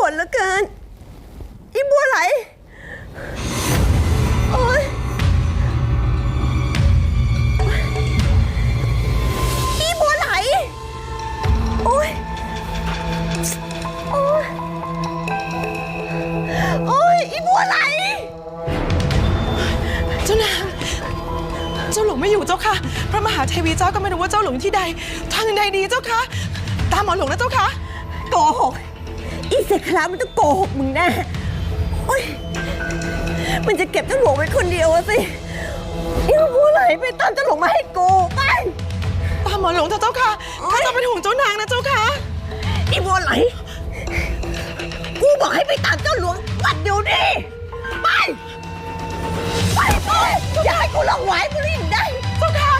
วดเหลือเกินอีบัวไหลโอ๊ยอีบัวไหลโอ๊ยโอ๊ยโอ๊ยอีบัวไหลเจ้านางเจ้าหลวงไม่อยู่เจ้าค่ะพระมหาเทวีเจ้าก็ไม่รู้ว่าเจ้าหลวงที่ใดทางใดดีเจ้าค่ะตามหมอหลวงนะเจ้าค่ะโกหกอีเสกคลามันต้องโกหกมึงแน่โอ๊ยมันจะเก็บเจ้าหลวงไว้คนเดียวสิอีบัวไหลไปตามเจ้าหลวงมาให้กูไปตามหมอหลวงเจ้าค่ะข้าจะเป็นห่วงเจ้านางนะเจ้าค่ะอีบัวไหลกูบอกให้ไปตามเจ้าหลวงวัดเดี๋ยวนี้ไปอย่าให้กูหลงไหวกูรีบได้เจ้าค่ะ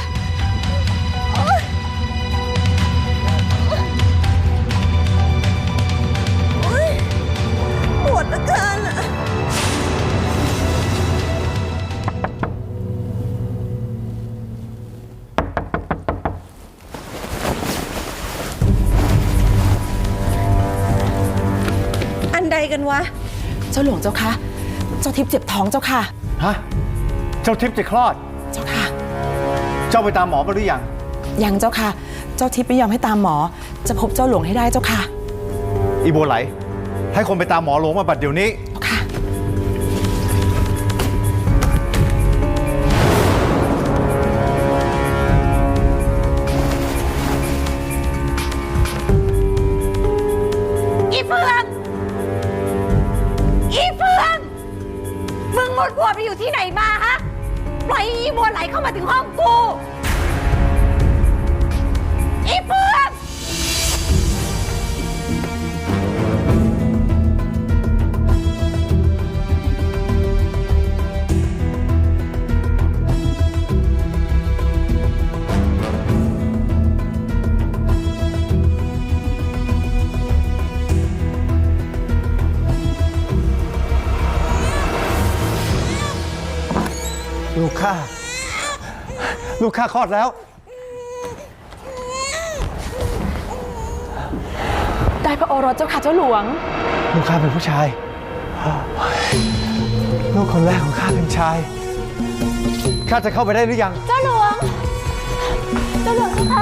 ปวดเหลือเกินอันใดกันวะเจ้าหลวงเจ้าค่ะเจ้าทิพย์เจ็บท้องเจ้าค่ะฮะเจ้าทิพย์จะคลอดเจ้าค่ะเจ้าไปตามหมอมาหรือยังยังเจ้าค่ะเจ้าทิพย์ไม่ยอมให้ตามหมอจะพบเจ้าหลวงให้ได้เจ้าค่ะอีบัวไหลให้คนไปตามหมอหลวงมาบัดเดี๋ยวนี้ค่ะอีเฟืองมึงหมดหัวไปอยู่ที่ไหนมาฮะปล่อยอีบัวไหลเข้ามาถึงห้องกูอีเฟืองลูกข้าคลอดแล้วได้พระโอรสเจ้าค่ะเจ้าหลวงลูกข้าเป็นผู้ชายลูกคนแรกของข้าเป็นชายข้าจะเข้าไปได้หรือยังเจ้าหลวงเจ้าค่ะ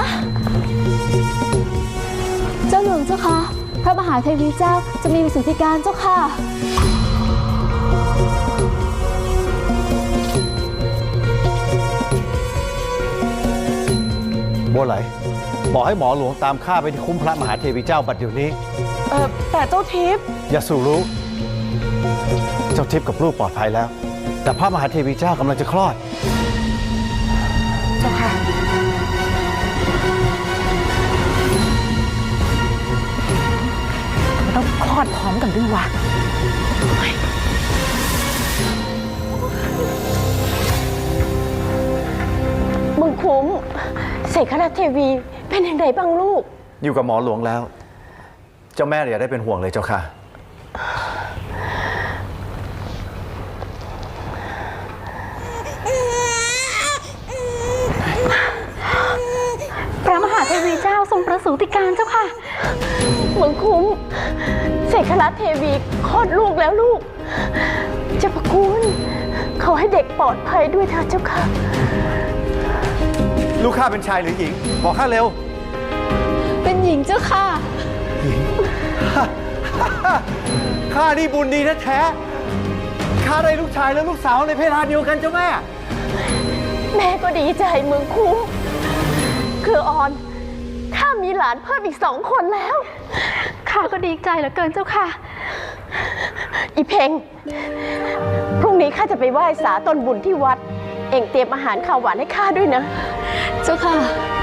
เจ้าหลวงเจ้าค่ะพระมหาเทวีเจ้าจะมีวิสุทธิการเจ้าค่ะบัวไหลบอกให้หมอหลวงตามข้าไปที่คุ้มพระมหาเทวีเจ้าบัดเดี๋ยวนี้แต่เจ้าทิพย์อย่าสู่รู้เจ้าทิพย์กับลูกปลอดภัยแล้วแต่พระมหาเทวีเจ้ากำลังจะคลอดเจ้าค่ะมันต้องคลอดพร้อมกันด้วยวะมึงคุ้มเสกคณะเทวีเป็นอย่างไรบ้างลูกอยู่กับหมอหลวงแล้วเจ้าแม่อย่าได้เป็นห่วงเลยเจ้าค่ะพระมหาเทวีเจ้าทรงประสูติการเจ้าค่ะมึงคุ้มเสกคณะเทวีคลอดลูกแล้วลูกเจ้าพระคุณขอให้เด็กปลอดภัยด้วยเถิดเจ้าค่ะลูกข้าเป็นชายหรือหญิงบอกข้าเร็วเป็นหญิงเจ้าค่ะหญิงข้านี่บุญดีแท้ๆข้าได้ลูกชายและลูกสาวในเพศเดียวกันเจ้าแม่แม่ก็ดีใจเมืองคุ้มคือออนข้ามีหลานเพิ่มอีก2 คนแล้วข้าก็ดีใจเหลือเกินเจ้าค่ะอีเพ็งพรุ่งนี้ข้าจะไปไหว้สาต้นบุญที่วัดเอ็งเตรียมอาหารข้าวหวานให้ข้าด้วยนะเจ้าค่ะ